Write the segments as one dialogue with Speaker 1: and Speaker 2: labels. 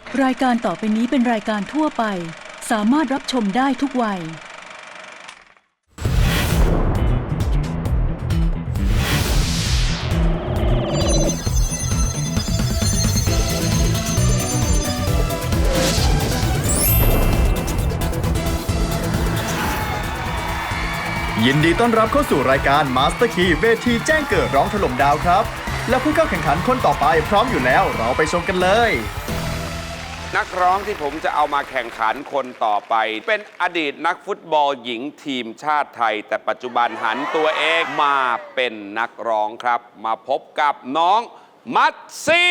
Speaker 1: รายการต่อไปนี้เป็นรายการทั่วไปสามารถรับชมได้ทุกวัย
Speaker 2: ยินดีต้อนรับเข้าสู่รายการ Master Key เวทีแจ้งเกิดร้องถล่มดาวครับและผู้เข้าแข่งขันคนต่อไปพร้อมอยู่แล้วเราไปชมกันเลย
Speaker 3: นักร้องที่ผมจะเอามาแข่งขันคนต่อไปเป็นอดีตนักฟุตบอลหญิงทีมชาติไทยแต่ปัจจุบันหันตัวเองมาเป็นนักร้องครับมาพบกับน้องมัตซี่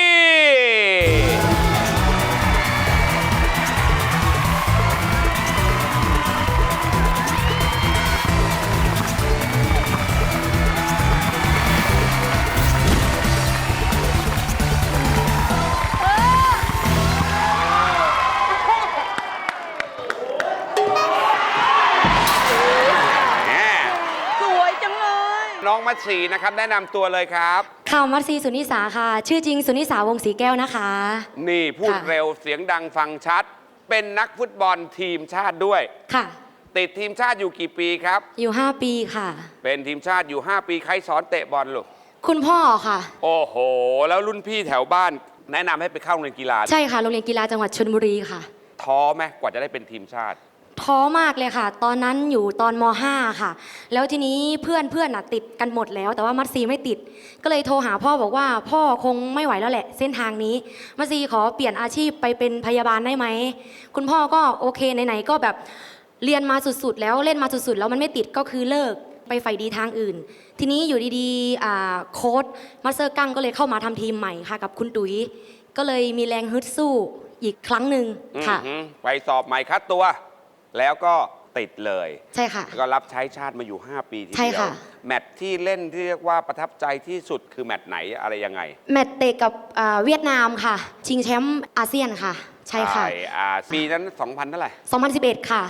Speaker 3: น้องมัตสีนะครับแนะนำตัวเลยครับ
Speaker 4: ค่ะมัตสีสุนิสาค่ะชื่อจริงสุนิสาวงศ์ศรีแก้วนะคะ
Speaker 3: นี่พูดเร็วเสียงดังฟังชัดเป็นนักฟุตบอลทีมชาติด้วย
Speaker 4: ค่ะ
Speaker 3: ติดทีมชาติอยู่กี่ปีครับ
Speaker 4: อยู่5ปีค่ะ
Speaker 3: เป็นทีมชาติอยู่5ปีใครสอนเตะบอลลูก
Speaker 4: คุณพ่อค่ะ
Speaker 3: โอ้โหแล้วรุ่นพี่แถวบ้านแนะนำให้ไปเข้าโรงเรียนกีฬา
Speaker 4: ใช่ค่ะโรงเรียนกีฬาจังหวัดชลบุรีค่ะ
Speaker 3: ท้อไหมกว่าจะได้เป็นทีมชาติ
Speaker 4: ท้อมากเลยค่ะตอนนั้นอยู่ตอนม.5 ค่ะแล้วทีนี้เพื่อนติดกันหมดแล้วแต่ว่ามัตซีไม่ติดก็เลยโทรหาพ่อบอกว่าพ่อคงไม่ไหวแล้วแหละเส้นทางนี้มัตซีขอเปลี่ยนอาชีพไปเป็นพยาบาลได้ไหมคุณพ่อก็โอเคไหนๆก็แบบเรียนมาสุดๆแล้วเล่นมาสุดๆแล้วมันไม่ติดก็คือเลิกไปใฝ่ดีทางอื่นทีนี้อยู่ดีๆโค้ชมาสเตอร์กั้งก็เลยเข้ามาทำทีมใหม่ค่ะกับคุณตุ๋ยก็เลยมีแรงฮึดสู้อีกครั้งหนึ่งค่ะ
Speaker 3: ไปสอบใหม่คัดตัวแล้วก็ติดเลย
Speaker 4: ใช่ค่ะ
Speaker 3: ก็รับใช้ชาติมาอยู่5ปีทีเดียวแมตช์ที่เล่นที่เรียกว่าประทับใจที่สุดคือแมตช์ไหนอะไรยังไง
Speaker 4: แมตช์เตะกับเวียดนามค่ะชิงแชมป์อาเซียนค่ะใช่ค่ะ
Speaker 3: ปีนั้น2000เท่าไหร่
Speaker 4: 2011ค่ะ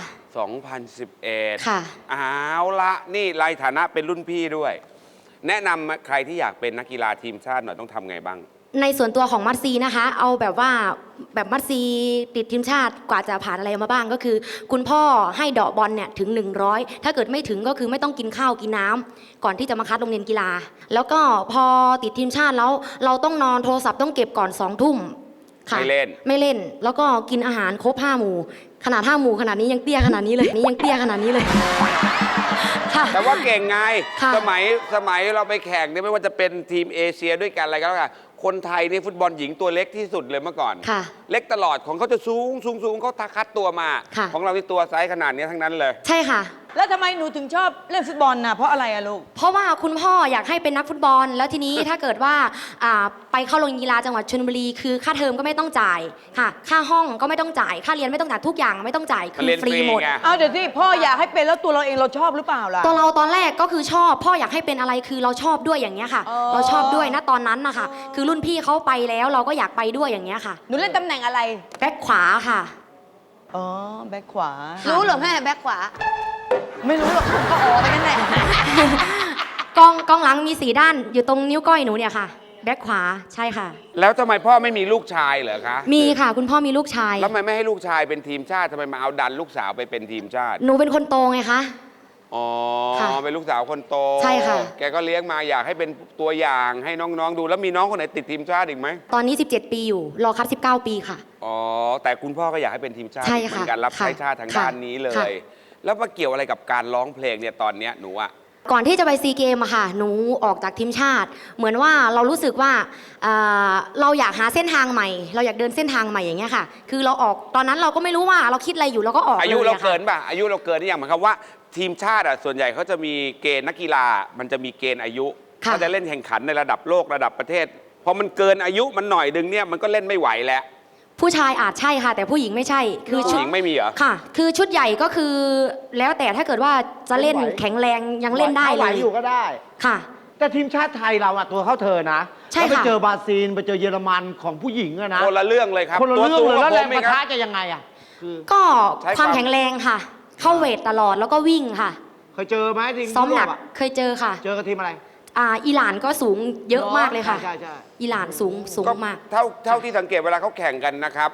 Speaker 3: 2011
Speaker 4: ค่ะ
Speaker 3: เอาละนี่ในฐานะเป็นรุ่นพี่ด้วยแนะนำใครที่อยากเป็นนักกีฬาทีมชาติหน่อยต้องทำไงบ้าง
Speaker 4: ในส่วนตัวของมัตซีนะคะเอาแบบว่าแบบมัตซีติดทีมชาติกว่าจะผ่านอะไรมาบ้างก็คือคุณพ่อให้เดาะบอลเนี่ยถึง100ถ้าเกิดไม่ถึงก็คือไม่ต้องกินข้าวกินน้ำก่อนที่จะมาคัดโรงเรียนกีฬาแล้วก็พอติดทีมชาติแล้วเราต้องนอนโทรศัพท์ต้องเก็บก่อน20:00น
Speaker 3: ค่ะไม่
Speaker 4: เล่นแล้วก็กินอาหารครบ5 หมู่ขนาด5 หมู่ขนาดนี้ยังเตี้ยขนาดนี้เลยนี่ยังเตี้ยขนาดนี้เลย
Speaker 3: แต่ว่าเก่งไงสมัยเราไปแข่งเนี่ยไม่ว่าจะเป็นทีมเอเชียด้วยกันอะไรก็แล้วกันคนไทยนี่ฟุตบอลหญิงตัวเล็กที่สุดเลยเมื่อก่อนเล็กตลอดของเขาจะสูงเขาคัดตัวมาของเราที่ตัวไซส์ขนาดนี้ทั้งนั้นเลย
Speaker 4: ใช่ค่ะ
Speaker 5: แล้วทำไมหนูถึงชอบเล่นฟุตบอลน่ะเพราะอะไรอะลูก
Speaker 4: เพราะว่าคุณพ่ออยากให้เป็นนักฟุตบอลแล้วทีนี้ ถ้าเกิดว่าไปเข้าโรงเรียนกีฬาจังหวัดชลบุรีคือค่าเทอมก็ไม่ต้องจ่ายค่ะค่าห้องก็ไม่ต้องจ่ายค่าเรียนไม่ต้องจ่ายทุกอย่างไม่ต้องจ่ายคือฟรีหมด
Speaker 5: เอาเดี๋ยวที่พ่ออยากให้เป็นแล้วตัวเราเองเราชอบหรือเปล่าล่ะ
Speaker 4: ตัวเราตอนแรกก็คือชอบพ่ออยากให้เป็นอะไรคือเราชอบด้วยอย่างเงี้ยค่ะเราชอบด้วยนะตอนนั้นนะคะคือรุ่นพี่เขาไปแล้วเราก็อยากไปด้วยอย่างเงี้ยค่ะ
Speaker 5: หนูเล่นตำแหน่งอะไร
Speaker 4: แบ็คขวาค่ะ
Speaker 5: อ๋อแบ็คขวา
Speaker 6: รู้เหรอแม่แบ็คขวา
Speaker 5: ไม่รู้หรอกก็ออกไปนั่นแหละ
Speaker 4: กองหลังมี4 ด้านอยู่ตรงนิ้วก้อยหนูเนี่ยค่ะแบ็คขวาใช่ค่ะ
Speaker 3: แล้วทำไมพ่อไม่มีลูกชายเหรอคะ
Speaker 4: มีค่ะคุณพ่อมีลูกชาย
Speaker 3: แล้วทำไมไม่ให้ลูกชายเป็นทีมชาติทำไมมาเอาดันลูกสาวไปเป็นทีมชาติ
Speaker 4: หนูเป็นคนโตไงคะ
Speaker 3: อ๋อเป็นลูกสาวคนโต
Speaker 4: ใช่ค่ะ
Speaker 3: แกก็เลี้ยงมาอยากให้เป็นตัวอย่างให้น้องๆดูแล้วมีน้องคนไหนติดทีมชาติอีกไหม
Speaker 4: ตอนนี้17 ปีอยู่รอคัด19 ปีค่ะ
Speaker 3: อ๋อแต่คุณพ่อก็อยากให้เป็นทีมชาติเหมือนกันรับใช้ชาติทางด้านนี้เลยแล้วมาเกี่ยวอะไรกับการร้องเพลงเนี่ยตอนเนี้ยหนูอะ
Speaker 4: ก่อนที่จะไปซีเกมอะค่ะหนูออกจากทีมชาติเหมือนว่าเรารู้สึกว่าเราอยากหาเส้นทางใหม่เราอยากเดินเส้นทางใหม่อย่างเงี้ยค่ะคือเราออกตอนนั้นเราก็ไม่รู้ว่าเราคิดอะไรอยู่เราก็ออก
Speaker 3: อายุเราเกินป่ะอายุเราเกินนี่อย่างหมายความว่าทีมชาติอะส่วนใหญ่เขาจะมีเกณฑ์นักกีฬามันจะมีเกณฑ์อายุเขาจะเล่นแข่งขันในระดับโลกระดับประเทศพอมันเกินอายุมันหน่อยดึงเนี่ยมันก็เล่นไม่ไหวแล้ว
Speaker 4: ผู้ชายอาจใช่ค่ะแต่ผู้หญิงไม่ใช่
Speaker 3: คือชุดหญิงไม่มีเหรอ
Speaker 4: ค่ะคือชุดใหญ่ก็คือแล้วแต่ถ้าเกิดว่าจะเล่นแข็งแรงยังเล่นได้เลย
Speaker 7: อยู่ก็ได้
Speaker 4: ค่ะ
Speaker 7: แต่ทีมชาติไทยเราอะตัวเข้าเธอนะ
Speaker 4: ใช่ค่ะ
Speaker 7: ไปเจอบราซิลไปเจอเยอรมันของผู้หญิงอะนะ
Speaker 3: คนละเรื่องเลยครับ
Speaker 7: คนละเรื่องเลยแล้วแรงปะทะจะยังไงอะ
Speaker 4: ก็ความแข็งแรงค่ะเข้าเวทตลอดแล้วก็วิ่งค่ะ
Speaker 7: เคยเจอไหมทีม
Speaker 4: ซ้อมหนักเคยเจอค่ะ
Speaker 7: เจอกับทีมอะไร
Speaker 4: อิหร่านก็สูงเยอะมากเลยค่ะ
Speaker 7: ใช่
Speaker 4: อิหร่านสูงมาก
Speaker 3: เท่าที่สังเกตเวลาเขาแข่งกันนะครับ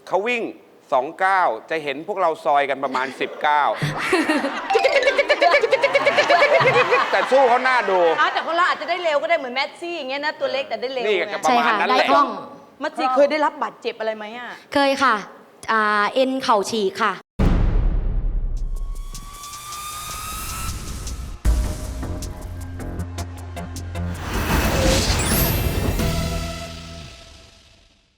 Speaker 3: เขาวิ่ง2 ก้าวจะเห็นพวกเราซอยกันประมาณ 10 ก้าวแต่สู้เขาหน้าดู
Speaker 5: แต่คนเราอาจจะได้เร็วก็ได้เหมือนแมสซี่อย่างเงี้ยนะตัวเล็กแต่ได้เร็ว
Speaker 3: นี่
Speaker 5: ไง
Speaker 3: ก็ประมาณนั้นแหละ
Speaker 4: ใช่ค่ะได้คล่อง
Speaker 5: มัสซีเคยได้รับบาดเจ็บอะไรไหมอ่ะ
Speaker 4: เคยค่ะเอ็นเข่าฉีกค่ะ